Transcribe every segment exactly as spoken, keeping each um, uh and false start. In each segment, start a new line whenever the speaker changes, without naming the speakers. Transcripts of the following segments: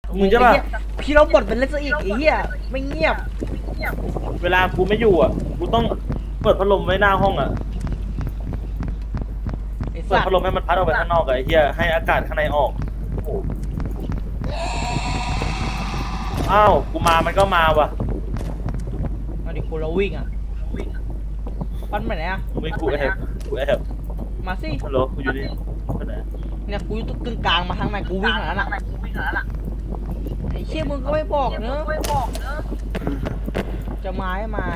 มึงใช่ป่ะ
พี่เราบทเป็นเล่นซะอีกไอ้เหี้ยไม่เงียบ
เวลากูไม่อยู่อ่ะกูต้องเปิดพัดลมไว้หน้าห้องอ่ะเปิดพัดลมให้มันพัดออกไปข้างนอกไอ้เหี้ยให้อากาศข้างในออกอ้าวกูมามันก็มาว่ะ
มาดิกูเราวิ่งอ่ะปั้นไปไหนอ่ะ
ไม่กูแอบกูแอบ
มาสิ
ฮัลโหลกูอยู่นี่ไปไหน
เนี่ยกูอยู่ตรงกลางมาทางไหนกูวิ่งหาแล้วน่ะไอ้เชี่ยมึงก็ไม่บอกเนอะจะไม้ไม้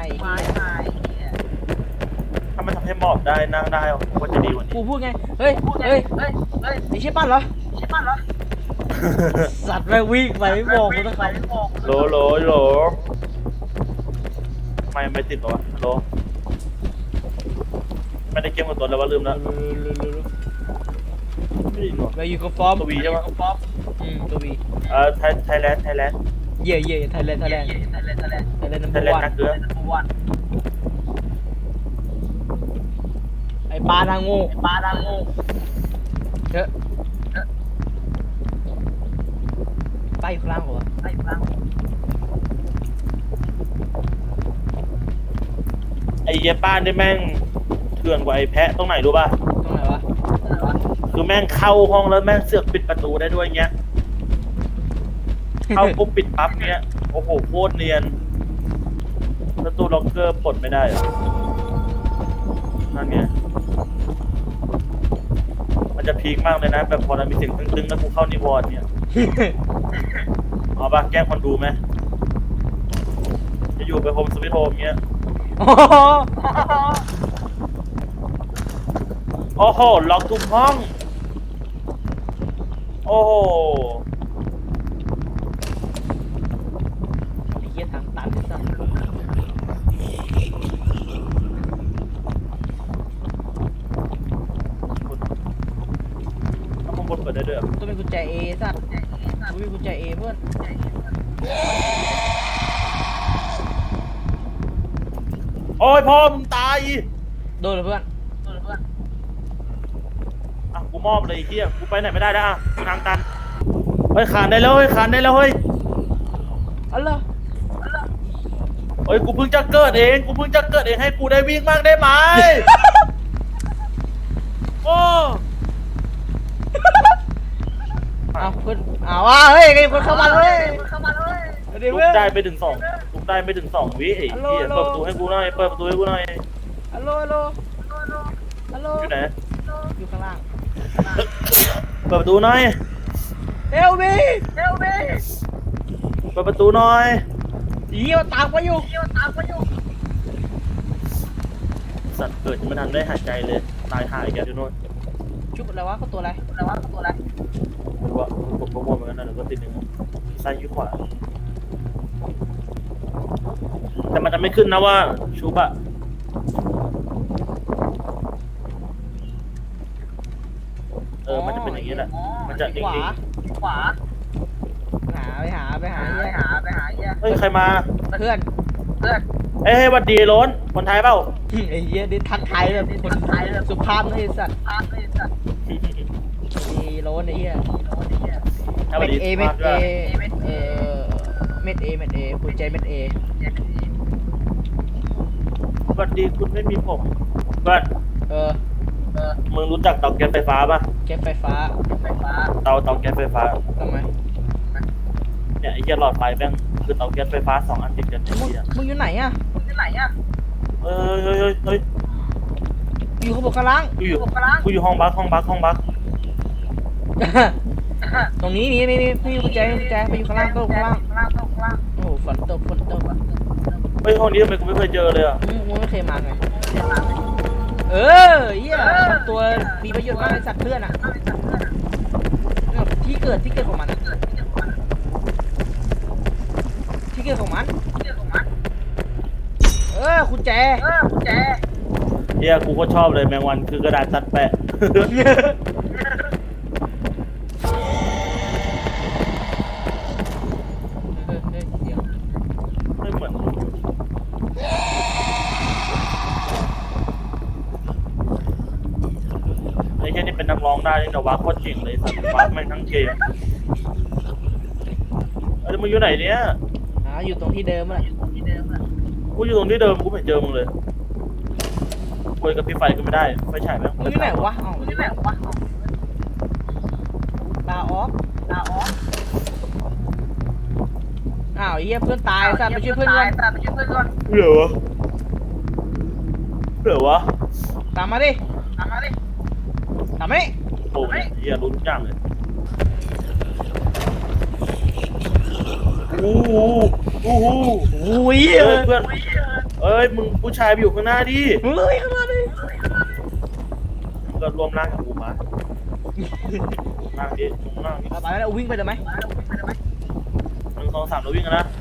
ถ้ามันทำให้หมอบได้นั่งได้ก็จะดีกว่านี้
กูพูดไงเฮ้ยเฮ้ยไอ้เชี่ยปั้นเหรอสัตว์แม่งวิ่งไปไม่บอกกูนะครับ
โหลโหลโหลไม่ไม่ติดหรอโหลไม่ได้เกมกับตัวแล้วว่าลืมแล้ว
ไปอยู่กับฟอร์ม
ตัววีใช่ไหม
อืมตัววี
เอ่อไทยไทยแลนด์ไทยแลนด์
เย่เย่ไทยแลนด์ไทยแลนด์ไทยแลนด์ไทยแลนด์ไทยแลนด์นัมเบอร์วัน
นักเกือ
ไอ้ปลาทางงูไอ้ปลาทางงูเถอะไปอยู่ข้างล่างเหรอไปอยู่ข้างล่าง
ไอ้เย้ป้านได้แม่งเถื่อนกว่าไอ้แพะตรงไหนรู้ป่ะ
ตรงไหนวะ
คือแม่งเข้าห้องแล้วแม่งเสือกปิดประตูได้ด้วยเงี้ยเข้าปุ๊บปิดปั๊บเงี้ยโอ้โหโคตรเนียนประตูล็อกเกอร์ปลดไม่ได้นั่นไงมันจะพีคมากเลยนะแบบพอเรามีเสียงตึงๆแล้วกูเข้านิวรณ์เนี่ยเอาป่ะแกล้งคนดูไหมจะอยู่ไปโฮมสวิตโฮมเงี้ยโอ้โหล็อกทุกห้องโอ้โห
ไอ้เหี้ยทางตันสัส
ถ้าข้างบนเปิดได้ด้วย
ต้องเป็นกุญแจเอสัสต้องเป็นกุญแจเอเพื่อน
โอ้ยพ่อมึงตาย
โดนเหรอเพื่อนโดนเหรอเพื่อน
อ่ะกูมอบเลยไอ้เหี้ยกูไปไหนไม่ได้แล้วอ่ะทางตันเฮ้ยขานได้แล้วเฮ้ยขานได้แล้วเฮ้ย
อะไร
เฮ้ยกูเพิ่งจะเกิดเองกูเพิ่งจะเกิดเองให้กูได้วิ่งมากได้ไหมโอ้
เอาเพื่อนเอาว่าเฮ้ยไอ้คนเข้ามาเลยเข้ามาเลย
ลุกได้ไปถึงสองลุกได้ไปถึงสองวิไอ้เหี้ยเปิดประตูให้กูหน่อยเปิดประตูให้กูหน่อย
ฮัลโหลฮัลโหลฮัลโหล
อยู่ไหน
อยู่ข้างล่าง
เปิดประตูหน่อย
เอลบีเอลบี
เปิดประตูหน่อย
เยี่ยวตามไปอยู่เยี่ยวตามไปอยู่
สัตว์เกิดจะไม่ทันได้หายใจเลยตายหายแกที่โน่น
ชุบอะไรวะเขาตัวอะไรอะไรวะเขาตัวอะไร
ผมว่าผมก็มองเหมือนกันนะเดี๋ยวก็ติดหนึ่งซ้ายยืดขวาแต่มันจะไม่ขึ้นนะว่าชูบะเออมันจะเป็นอย่างนี้แหละมันจะ
ขวาขวาหาไปหาไปหาไปหาไปหา
เฮ้ยใครมา
เพื่อนเพื่อน
เฮ้ยวัดดีล้นคนไทยเปล่า
ไอ้เหี้ยนี่ทักไทยแบบคนไทยแบบสุภาพนะไอ้สัตว์ดีล้นไอ้เหี้ยเม็ดเอเม็ดเอเออเม็ดเอเม็ดเอคุณใจเม็ดเอ
วัดดีคุณไม่มีผมเพื่อน
เออ
มึงรู้จักเตาแก๊สไฟฟ้าป่ะ
แก๊สไฟฟ้าไฟฟ้า
เตาเตาแก๊สไฟฟ้า
ทำไม
เนี่ยไอ้เหี้ยหลอดไฟแม่งคือเตาแก๊สไฟฟ้าสองอันติดกันไอ้เหี้ย
มึงอยู่ไหนอ่ะมึงอยู่ไหนอ่ะ
เฮ้ยเฮ้ยเฮ้ยเฮ้ย
อยู่ข้างบนข้างล่าง
กูอยู่กูอยู่ห้องบัคห้องบัคห้องบัค
ตรงนี้นี่นี่นี่พี่กุญแจกุญแจไปอยู่ข้างล่างโต๊ะข้างล่างโอ้โหฝนตกฝนตก
เฮ้ยห้องนี้ทำไมกูไม่เคยเจอเลยอ่ะ
มึงไม่เคยมาไงเออเหี้ยตัวมีประโยชน์มากในสัตว์เพื่อนอ่ะที่เกิดที่เกิดของมันที่เกิดของมันเออกุญแจเออกุญแจ
เฮียกูก็ชอบเลยแมงวันคือกระดาษตัดแปะไม่เหมือนไอ้แค่นี้เป็นนักร้องได้นี่แต่ว่าโคตรเก่งเลยสัตว์วักแม่งทั้งเกมมึงอยู่ไหนเนี่ย
อ่าอยู่ตรงที่เดิมอ่ะ
กูอยู่ตรงที่เดิมกูไม่เจอมึงเลยคุยกับพี่ไฟก็ไม่ได้ไฟฉายแม่ง
มึงอยู่ไหนวะอ๋อมึงอยู่ไหนวะลาออฟลาออฟอ้าวไอ้เหี้ยเพื่อนตายสัตว์ไปช่วยเพื่อนก่อน
เหลือวะเหลือวะ
ตามมาดิตามมาดิตามมาดิ
โอ้ยเฮียรู้ทุกอย่างเลยโอ้โหโอ้โห
โอ้ย
เอ้ยเพื่อนเอ้ยมึงผู้ชายไปอยู่ข้างหน้าดิ
เฮ้ยเข้ามาดิ
มึงก็รวมร่างกับกูมาร่างดิรวมร่างดิ
ไปแล้ววิ่งไปเดี๋ยวไหม
หนึ่งสองสามเราวิ่งกันนะ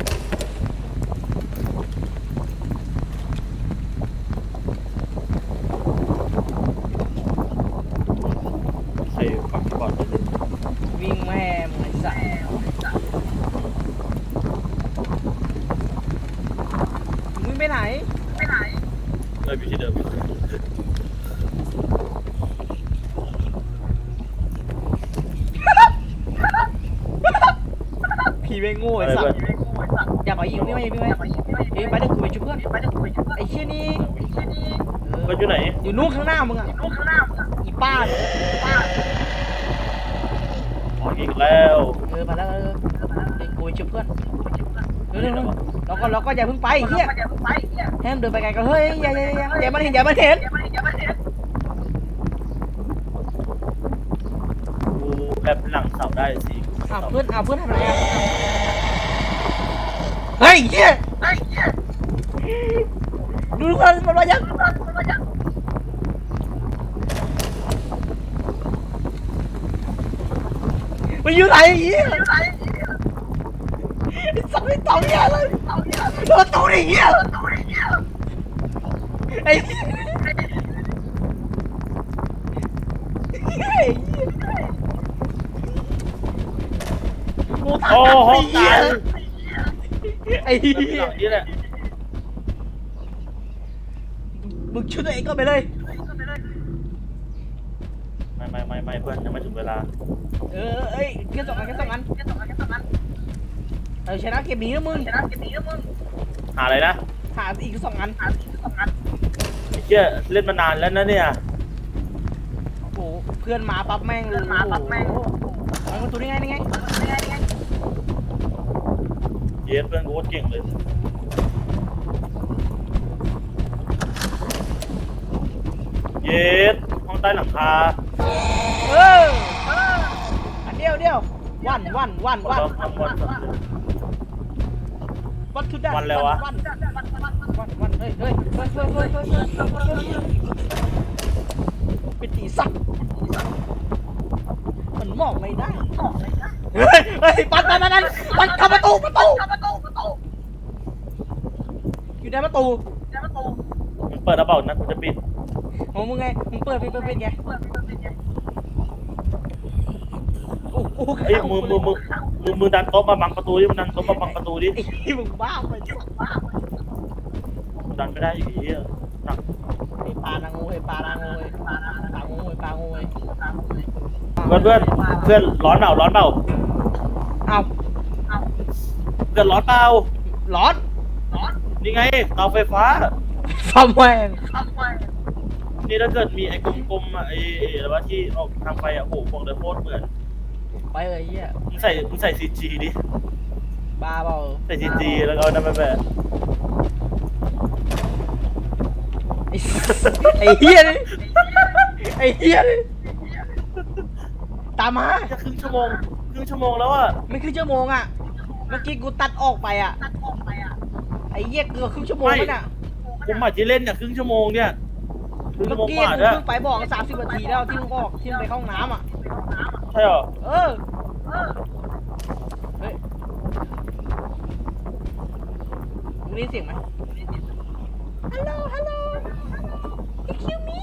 ใส่ฝักก่อนเลย
วิ่งแม่มึงไอ้สัสมึงไปไหน
เลยอยู่ที่เดิม
ผีแม่งโง่ไอ้สัสอย่าไปยิงพี่ไม่พี่ไม่เอ้ยไปเดี๋ยวกูไปช่วยเพื่อนไอ้เชี่ยนี่
ก็อยู่ไหน
อยู่นู่นข้างหน้ามึงอ่ะอีป้าเนี่ย
อ๋ออีกแล้ว
เออมาแล้วเออเดี๋ยวกูไปช่วยเพื่อนเร็วๆแล้วก็แล้วก็อย่าเพิ่งไปเฮียให้มันเดินไปไกลกันเฮ้ยอย่าอย่าอย่าอย่ามันเห็นอย่ามันเห็น
กูแบบหลังเสาได้สิ
อ้าวเพื่อนอ้าวเพื่อนทำอะไรอ่ะเฮ้ยเฮียดูดูกันมันมายังมันอยู่ไหนเฮียสับไม่ต่อเฮียเลยโดนตัวดิเฮียไอ้เหี้ยกู
โอ้โห
ทำไอ้เหี้
ตาย ย
ไอ้เหี้
ห
ย
ลังนี้แหละ
มึงช่วยตัวเองก็ไปเลย
ไม่ไม่ไม่ไม่เพื่อนยังไม่ถึงเวลา
เออเอ้ยแค่สองอันแค่สองอันเออชนะเกมนี้นะมึง
หาอะไรนะ
หาอีกสองอัน
ไอ้เชี่ยเล่นมานานแล้วนะเนี่ย
โอ้โหเพื่อนมาปั๊บแม่งเลยมาปั๊บแม่งมันประตูได้ไงได้ไง
เยสเพื่อนกูโคตรเก่งเลยเยสห้องใต้หลังคา
เอออันเดียวเดียววันวันวันวัน
วันวันวัน
วันทุดดัน
วันอะไรวะ
วันวันวันเฮ้ยเฮ้ยเฮ้ยเฮ้ยเฮ้ยเฮ้ยเฮ้ยเป็นตีสักมันมองไม่ได้เฮ้ยเฮ้ยปัดปัดปัดปัดปัดเข้าประตูประตูอยู่ในประตู
มึงเปิดกระเป๋านะกูจะปิด
โอ้มึงไงมึงเปิดปิดเปิดปิดไงโอ้โห
เอ้ยมือมือมือมือมือดันโต๊ะมาบังประตูดิมึงดันโต๊ะมาบังประตูดิ
ไอ้มึงบ้าไปจ้ะ
มึงดันไม่ได้อยู่ดีอะหนัก
ไอ้ปลานางงูไอ้ปลานางงูไอ้ปลานางงูไอ้ปลางูไอ้
เพื่อนเพื่อนเพื่อนร้อนเปล่าร้อนเปล่า
เอา
เพื่อนร้อนเปล่า
ร้อน
นี่ไงเตาไฟฟ้า
ฟอมแวง
นี่ถ้าเกิดมีไอ้กลมๆอ่ะไอ้ไอ้อะไรวะที่ออกทางไฟอ่ะโอ้โหบอกเลยโคตรเหมือน
ไปเลยเฮีย
มึงใส่มึงใส่ซีจีดิ
บ้าเปล่า
ใส่ซีจีแล้วก็เอานั่นไปแบบ
ไอ้ไอ้เฮียนี่ไอ้เฮียนี่ตามมา
จะครึ่งชั่วโมงครึ่งชั่วโมงแล้วอ่ะ
ไม่ครึ่งชั่วโมงอ่ะเมื่อกี้กูตัดออกไปอ่ะไอ้เหี้ยเกือบครึ่งชั่วโมงแล้วน่ะ
ผมหมายที่เล่นเนี่ยครึ่งชั่วโมงเนี่ยครึ่ง
เมื่
ชั่
อ
วโมง
กี้
กว่า
กู
เนี่ย
เพิ่งไปบอกสามสิบนาทีแล้วที่มึงออกที่มึงไปเข้าห้องน้ำอ่ะ
ใช่เหรอ
เออเฮ้ยมึงได้ยินเสียงไหมฮัลโหลฮัลโหล excuse me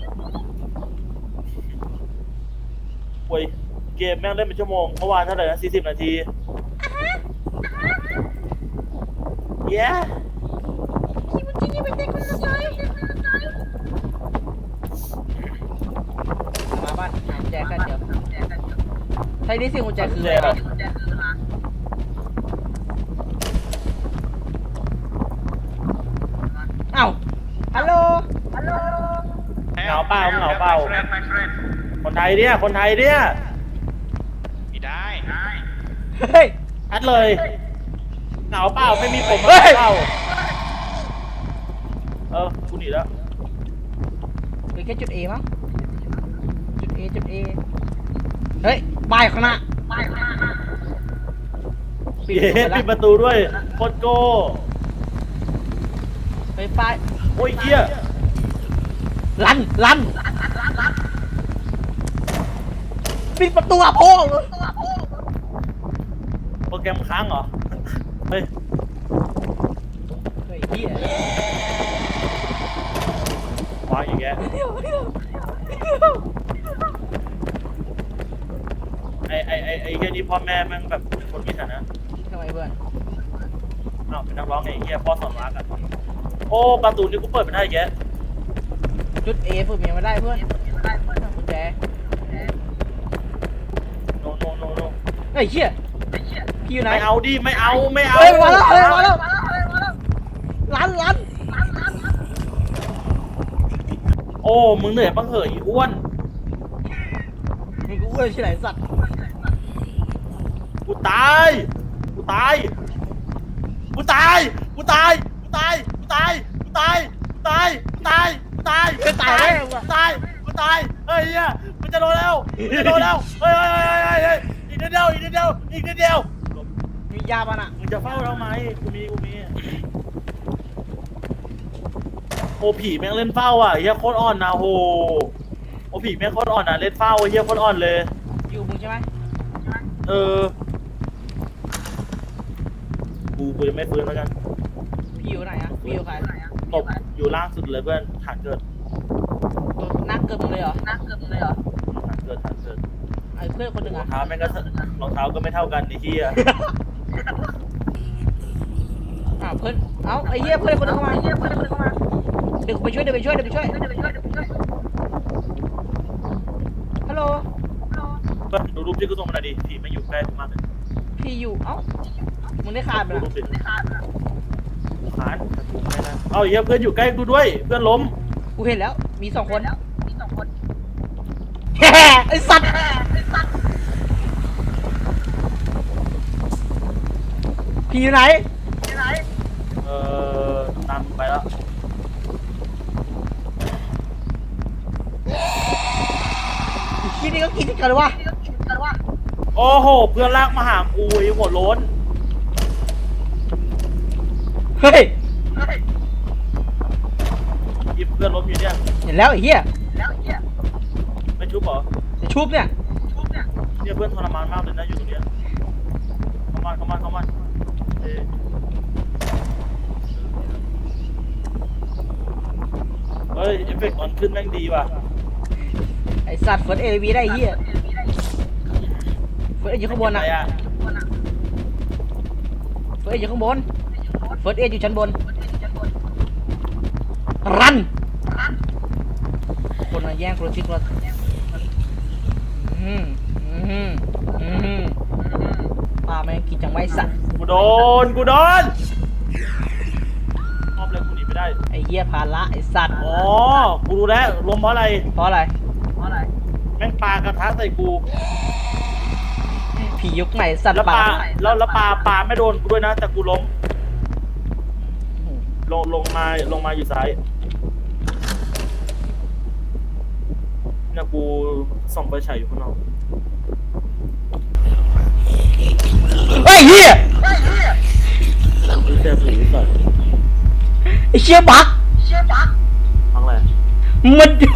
โอ้ยเกมแม่งเล่นเป็นชั่วโมงเมื่อวานเท่าไหร่นะสี่สิบนาทีเย้
気持ちにめてくださいมาบ้านหากุญแจกันเดี๋ยวใช้ได้เสียงกุญแจคืออะไรวะเอ้าฮัลโหล
เหงาเปล่าเหงาเปล่าคนไทยเนี่ยคนไทยเนี่ย
ไม่ได้
เฮ้ย
ชัดเลยเหงาเปล่าไม่มีผม
เฮ้
มาย เปล่าเออกูหนีแล้ว
เหลือแค่จุด A มั้งจุด A จุด A เฮ้ยป้ายข้างหน้าปิด
เย้
ประตูไป
ปิดป
แล้ว
ระตูด้วยโคตรโก้
เฮ้ยป้าย
โอ้ยเหี้ย
ลันลันปิดประตูอะพ่อเลย
โปรแกรมค้างเหรอเฮ้ย
เฮ้ยเฮีย
วางอีกแกไอไอไอไอเฮียนี่พ่อแม่แม่งแบบคนมีฐานะ
ทำไมเพื่อน
อ้าวเป็นนักร้องไงไอ้เฮียพ่อสอนรักอ่ะโอ้ประตูนี่กูเปิดไม่ได้แก
จุด A ฝึกเมียมาได้เพื่อนกุญแจ
โนโนโนโน
เฮ้ยเฮียพี่อยู่ไหน
ไม่เอาดิไม่เอาไม่เอา
เฮ้ยมาแล้วเฮ้ยมาแล้วลันลัน
โอ้มึงเหนื่อยบ้างเหอะอีอ้วน
มึงกูอ้วนที่ไหนสัตว์
กูตายกูตายกูตายกูตายกูตายกูตายกูตายกูตายกูตายกูตายกูตายกูตายกูตายเฮ้ยเฮียมันจะโดนแล้วมันจะโดนแล้วเฮ้ยเฮ้ยเฮ้ยเฮ้ยอีกนิดเดียวอีกนิดเดียวอีกนิดเดียว
มียาป่ะน่ะ
มึงจะเฝ้าทำไมกูมีกูมีโอผีแม่งเล่นเฝ้าอ่ะเฮียโคตรอ่อนนะโหโอผีแม่งโคตรอ่อนอ่ะเล่นเฝ้าเฮียโคตรอ่อนเลย
อยู่มึงใช่ไหม
เออกูกูจะไม่ฟื้นแล้วกัน
พี่อยู่ไหนอะพี่อยู่ใคร
ตบอยู่ล่างสุดเลยเพื่อนฐานเกิด
นักเกินมึงเลยเหรอนักเกินมึงเลยเหรอ
ฐานเกิดฐานเกิด
ไอ้เพื่อนคนหนึ่ง
รอง
อะ
เท้าแม่งก็รองเท้าก็ไม่เท่ากันไอ้เหี้ย
อ้าวเพื่อนเอ้าไอ้เหี้ยเพื่อนคนหนึงเข้ามาเดี๋ยวกูไปช่วยเดี๋ยวไปช่วยเดี๋ยวไปช่วยฮัลโหล
เพื่อนดูรูปที่กูส่งมาหน่อยดิผีไม่อยู่ใกล้กูมากเลย
พี่อยู่เอ้ามึงได้ขาดไป
ดู
ละ
รูปดิกูค้านแต่กูไม่ได้เอ้าเหี้ยเพื่อนอยู่ใกล้กูด้วยเพื่อนล้ม
กูเห็นแล้วมีสองคนแฮ่ไอ้สัตว์พี่อยู่ไหน
เออตามมึงไปแล้ว
ไอ้ขี้นี่ก็กินกันเลยวะ
โอ้โหเพื่อนลากมาหากูไอ้หัวโล้น
เฮ้ย
หยิบเพื่อนล้มอยู่เนี่ย
เห็นแล้วไอ้เหี้ย
ไม่ชุบเหรอ
ไอ้ชุบเนี่ย
เนี่ยเพื่อนทรมานมากเลยนะอยู่ตรงเนี้ยเข้ามาเข้ามาเข้ามาเอ้ยเฮ้ยเอฟเฟกต์มันขึ้นแม่งดีว่ะ
ไอ้สัตว์เฟิร์สเอวีได้ไอ้เหี้ยเฟิร์สเออยู่ข้างบน
อะ
อะ
ไรอะ
เฟิร์สเออยู่ข้างบนเฟิร์สเออยู่ชั้นบนรันคนมาแย่งโครชิกเราอืมอืมอืมป้าแม่งกินจังไว้สัตว์
กูโดนกูโดนมอบเลยกูหนีไม่ได้
ไอ้เหี้ยพาละไอ้สัตว์
อ๋อกูรู้แล้วล้มเพราะอะไร
เพราะอะไร
แม่งปลากระทะใส่กู
ผียุคใหม่สัตว์
แล้วป
ป่า
ลาแล้วแล้วปลาปลาไม่โดนกูด้วยนะแต่กูล้มลงลงมาลงมาอยู่ซ้ายเนี่ยกูส่องไฟฉายอยู่ข้างนอก
เฮ้ยเหี้ย
ดูเจ็บหูก่อน
ไอ้เชี่ยบัก
ทั้งอะไร
มันอยู่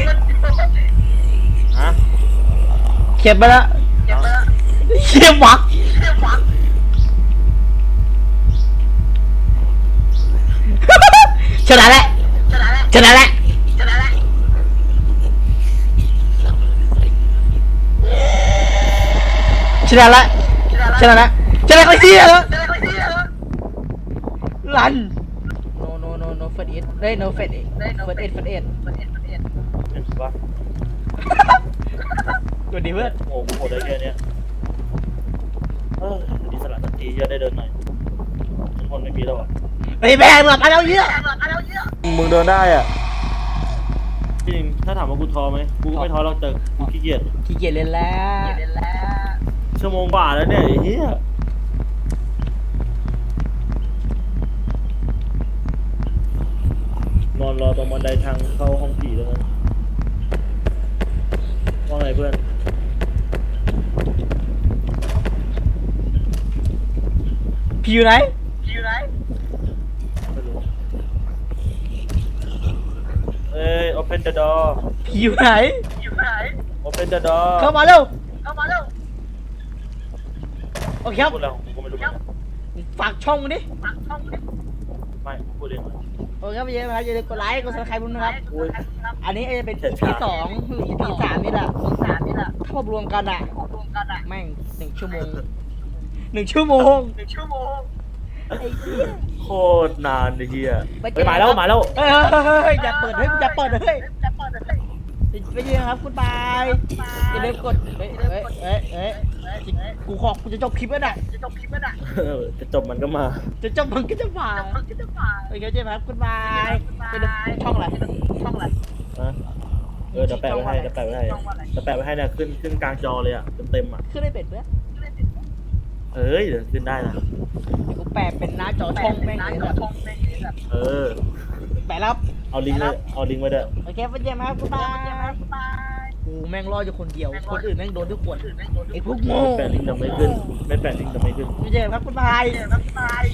ฮะ
เขียนไปแล้วไอ้เชี่ยบักชนะแล้วชนะแล้วชนะแล้วชนะแล้วชนะไอ้เหี้ยลัน no no no no first aid เฮ้ย no first aid first aid first aid
เห็นปะ
ตัวดีเพื่อน
โอ้โหโหดได้แค่เนี้ยเออดีสละสักทีจะได้เดินหน่อยทุกคนไม่มีแล้วอ่ะ
ไอ้ไอ้แม่งแบบอะไรเยอะ
มึงเดินได้อ่ะจริงถ้าถามว่ากูท้อไหมกูก็ไม่ท้อหรอกแต่กูขี้เกียจ
ขี้เกียจเล่นแล้ว
ชั่วโมงกว่าแล้วเนี่ยไอ้เหี้ยนอนรอตรงบันไดทางเข้าห้องผีแล้วกันว่าไงเพื่อน
พี่อยู่ไหน
ไม่รู้เอ้ย open the door
พี่อยู่ไหน
open the door
เข้ามาเร็วโอเคครับ
พูดแล้วกูก็ไม่รู้เหมือนกัน
ฝากช่องมึงดิ
ไม่พูดเอง
โอเคครับอย่าลืมนะครับอย่าลืมกดไลค์กดซับสไครป์ผมนะครับ
อุ้ย
อันนี้จะเป็น อี พี สองหรือ อี พี สามนี่แหละถ้ารวมกันอ่ะแม่งหนึ่งชั่วโมงหนึ่งชั่วโมงไอ้เหี้ย
โคตรนานไอ้เหี้ย
ไปเจ
เฮ้
อย
มาแล้วมาแล้ว
เฮ้ยเฮ้ยอย่าเปิดเฮ้ยอย่าเปิดเฮ้ยไปเจอครับคุณบายอย่าลืมกดเฮ้ยเฮ้ยเฮ้ยเฮ้ยกูขอกูจะจบคลิปแล้วน่ะ
เออจะจบมันก็มา
จะจบมันก็จะผ่านโอเคเจอครับคุณบายเป็นช่องอะไรช่องอะไร
นะเออเดี๋ยวแปะไว้ให้เดี๋ยวแปะไว้ให้เดี๋ยวแปะไว้ให้เนี่ยขึ้นขึ้นกลางจอเลยอ่ะเต็มเต็มๆอ่ะ
ขึ้นได้เป็ดเพื่อน
เอ้ยเดี๋ยวขึ้นได้นะ
กูแปะเป็นหน้าจอช่องแม่งเลยแบบ
เออ
แปะแล้ว
เอาลิงก์เลยเอาลิงก์ไว้ด้วย
โอเคไปเจอครับคุณบายกูแม่งรออยู่คนเดียวคนอื่นแม่งโดนทุกคนไอ้พวกโง่
ไม่แปะลิงก์จะไม่ขึ้นไม่แปะลิงก์จะไม่ขึ้น
ไปเจอครับคุณบาย